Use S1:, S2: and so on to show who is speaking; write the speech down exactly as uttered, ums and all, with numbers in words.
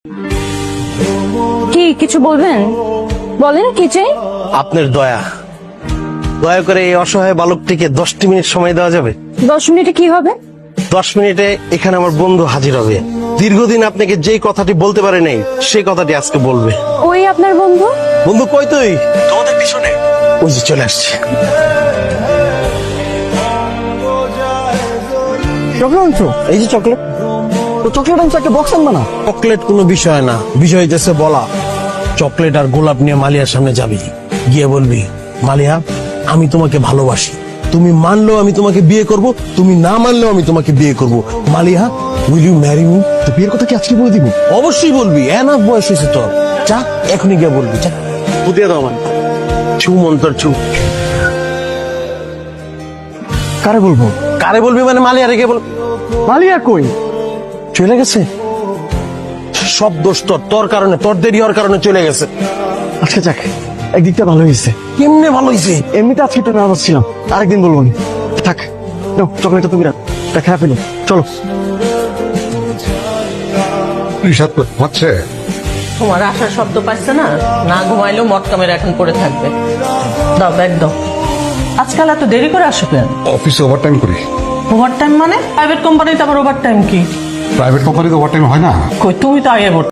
S1: কি কিছু বলবেন? বলেন কি চাই?
S2: আপনার দয়া দয়া করে এই অসহায় বালকটিকে দশটি মিনিট সময় দেওয়া যাবে?
S1: দশ মিনিটে কি হবে?
S2: দশ মিনিটে এখানে আমার বন্ধু হাজির হবে। দীর্ঘদিন আপনাকে যেই কথাটি বলতে পারে নাই সেই কথাটি আজকে বলবে।
S1: ওই আপনার বন্ধু?
S2: বন্ধু কই তুই? তোমাদের পিছনে। ওই যে চলে আসছে।
S3: চকলেট আনছো?
S2: এই যে চকলেট।
S3: তো চকলেট আনছো, একটা বক্স আনবা না?
S2: চকলেট কোনো বিষয় না, বিষয় হইতেছে বলা। চকলেট আর গোলাপ নিয়ে মালিয়ার সামনে যাবি, গিয়ে বলবি, মালিয়া আমি তোমাকে ভালোবাসি, তুমি মানলেও আমি তোমাকে বিয়ে করব, তুমি না মানলেও আমি তোমাকে বিয়ে করব। Maliya will you marry me?
S3: তো বিয়ের কথা কি আজকে বলে দিব?
S2: অবশ্যই বলবি, এনাফ বয়স হয়েছে তোর। যা এখনই গিয়ে বলবি, যা বুঝিয়ে দাও আমার ছু মন্তর ছু।
S3: কারে বলবো?
S2: কারে বলবি মানে মালিয়া রেখে বল।
S3: মালিয়া কই?
S2: চলে গেছে। সব দোষ তোর, তোর কারণে, তোর দেরি হওয়ার কারণে চলে গেছে।
S3: আচ্ছা যাক, একদিকটা ভালো হয়েছে।
S2: কেমনে ভালো হয়েছে?
S3: এমনিতে আজকে একটু নার্ভাস ছিলাম, আরেকদিন বলবো নি। থাক নাও, চকলেটটা তুমি রাখ, তা খেয়ে ফেলো। চলো।
S4: রিসাদ হচ্ছে
S5: তোমার আসার শব্দ পাচ্ছে না, না ঘুমাইলেও মটকা মেরে এখন পড়ে থাকবে। দাও ব্যাগ দাও। আজকাল এত দেরি করে আসো কেন?
S4: অফিসে ওভারটাইম করি।
S5: ওভার টাইম মানে? প্রাইভেট কোম্পানিতে আবার ওভার টাইম কি?
S4: প্রাইভেট কোম্পানিতে ওভারটাইম হয় না।
S5: কই তুমি তো আগে